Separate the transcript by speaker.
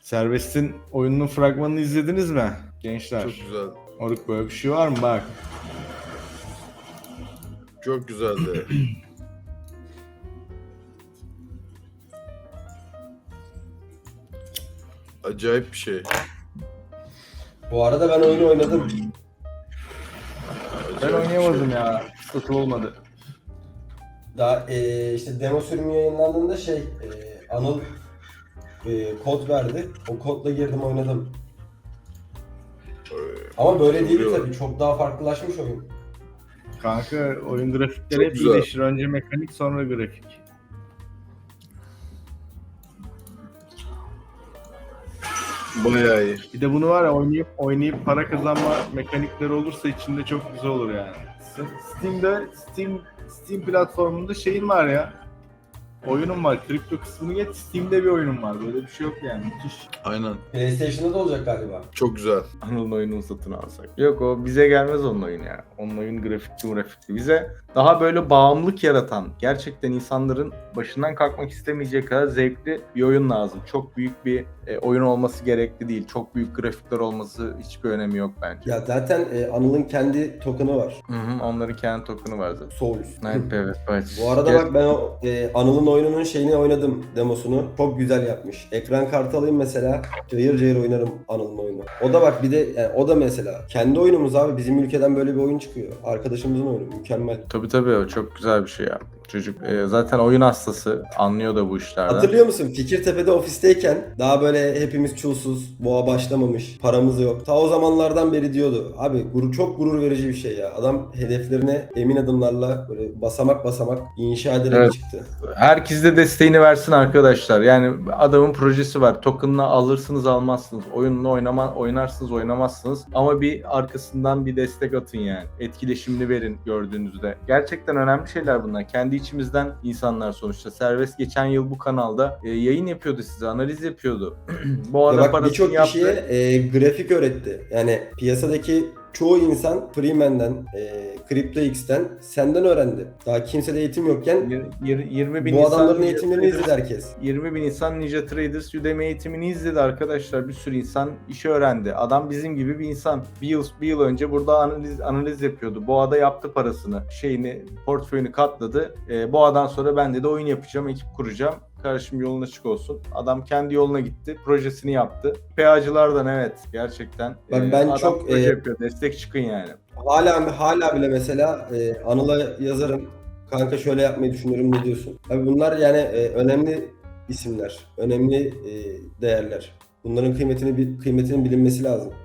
Speaker 1: Serbest'in oyununun fragmanını izlediniz mi gençler?
Speaker 2: Çok güzel.
Speaker 1: Oruk böyle bir şey var mı? Bak.
Speaker 2: Çok güzeldi. Acayip bir şey.
Speaker 3: Bu arada ben oyunu oynadım.
Speaker 1: Ben
Speaker 2: Acayip bir
Speaker 1: oynayamadım
Speaker 2: şey.
Speaker 1: ya. Fırsatım olmadı.
Speaker 3: Daha işte demo sürümü yayınlandığında Anıl kod verdi. O kodla girdim oynadım. Ama böyle değil
Speaker 2: Oluyor.
Speaker 3: tabii. Çok daha farklılaşmış oyun.
Speaker 1: Kanka oyun grafikleri
Speaker 2: Çok
Speaker 1: hep
Speaker 2: güzel.
Speaker 1: iyileşir. Önce mekanik sonra grafik.
Speaker 2: Bayağı iyi.
Speaker 1: Bir de bunu var ya oynayıp para kazanma mekanikleri olursa içinde çok güzel olur yani. Steam platformunda şeyin var ya. Oyunum var. Kripto kısmını geç. Steam'de bir oyunum var. Böyle bir şey yok yani. Müthiş.
Speaker 2: Aynen.
Speaker 3: PlayStation'da da olacak galiba.
Speaker 2: Çok güzel.
Speaker 1: Anıl'ın oyununu satın alsak. Yok o bize gelmez onun oyunu ya. Onun oyun grafikli. Bize daha böyle bağımlılık yaratan, gerçekten insanların başından kalkmak istemeyecek kadar zevkli bir oyun lazım. Çok büyük bir oyun olması gerekli değil. Çok büyük grafikler olması hiçbir önemi yok bence.
Speaker 3: Ya zaten Anıl'ın kendi token'ı var.
Speaker 1: Onların kendi token'ı var zaten.
Speaker 3: Souls.
Speaker 1: Evet.
Speaker 3: Bu arada bak ben o Anıl'ın oyununun şeyini oynadım, demosunu. Çok güzel yapmış. Ekran kartı alayım mesela, cayır cayır oynarım Anıl'ın oyunu. O da bak bir de yani o da mesela kendi oyunumuz abi, bizim ülkeden böyle bir oyun çıkıyor. Arkadaşımızın oyunu, mükemmel.
Speaker 1: Tabii o çok güzel bir şey ya. Çocuk zaten oyun hastası. Anlıyor da bu işlerden.
Speaker 3: Hatırlıyor musun? Fikirtepe'de ofisteyken daha böyle hepimiz çulsuz, boğa başlamamış, paramız yok. Ta o zamanlardan beri diyordu. Abi çok gurur verici bir şey ya. Adam hedeflerine emin adımlarla böyle basamak basamak inşa ederek
Speaker 1: Evet.
Speaker 3: çıktı.
Speaker 1: Herkes de desteğini versin arkadaşlar. Yani adamın projesi var. Token'ını alırsınız almazsınız. Oyununu oynarsınız oynamazsınız. Ama bir arkasından bir destek atın yani. Etkileşimini verin gördüğünüzde. Gerçekten önemli şeyler bunlar. Kendi içimizden insanlar sonuçta. Serbest geçen yıl bu kanalda yayın yapıyordu size. Analiz yapıyordu. Bu
Speaker 3: Ya
Speaker 1: arada
Speaker 3: bak
Speaker 1: parasını
Speaker 3: birçok
Speaker 1: yaptı.
Speaker 3: kişiye grafik öğretti. Yani piyasadaki çoğu insan Freeman'den, CryptoX'ten senden öğrendi. Daha kimsede eğitim yokken
Speaker 1: 20 bin
Speaker 3: bu adamların
Speaker 1: insan
Speaker 3: eğitimlerini izledi herkes.
Speaker 1: 20 bin insan Ninja Traders Udemy eğitimini izledi arkadaşlar. Bir sürü insan işi öğrendi. Adam bizim gibi bir insan. Bir yıl önce burada analiz yapıyordu. Boğa'da yaptı parasını. Portföyünü katladı. Boğa'dan sonra ben de oyun yapacağım, ekip kuracağım. Kardeşim yolun açık olsun. Adam kendi yoluna gitti. Projesini yaptı. PA'cılardan evet gerçekten.
Speaker 3: Bak ben
Speaker 1: adam
Speaker 3: çok
Speaker 1: proje yapıyor. Destek çıkın yani.
Speaker 3: hala bile mesela Anıl'a yazarım. Kanka şöyle yapmayı düşünüyorum, ne diyorsun? Abi bunlar yani önemli isimler, önemli değerler. Bunların kıymetinin bilinmesi lazım.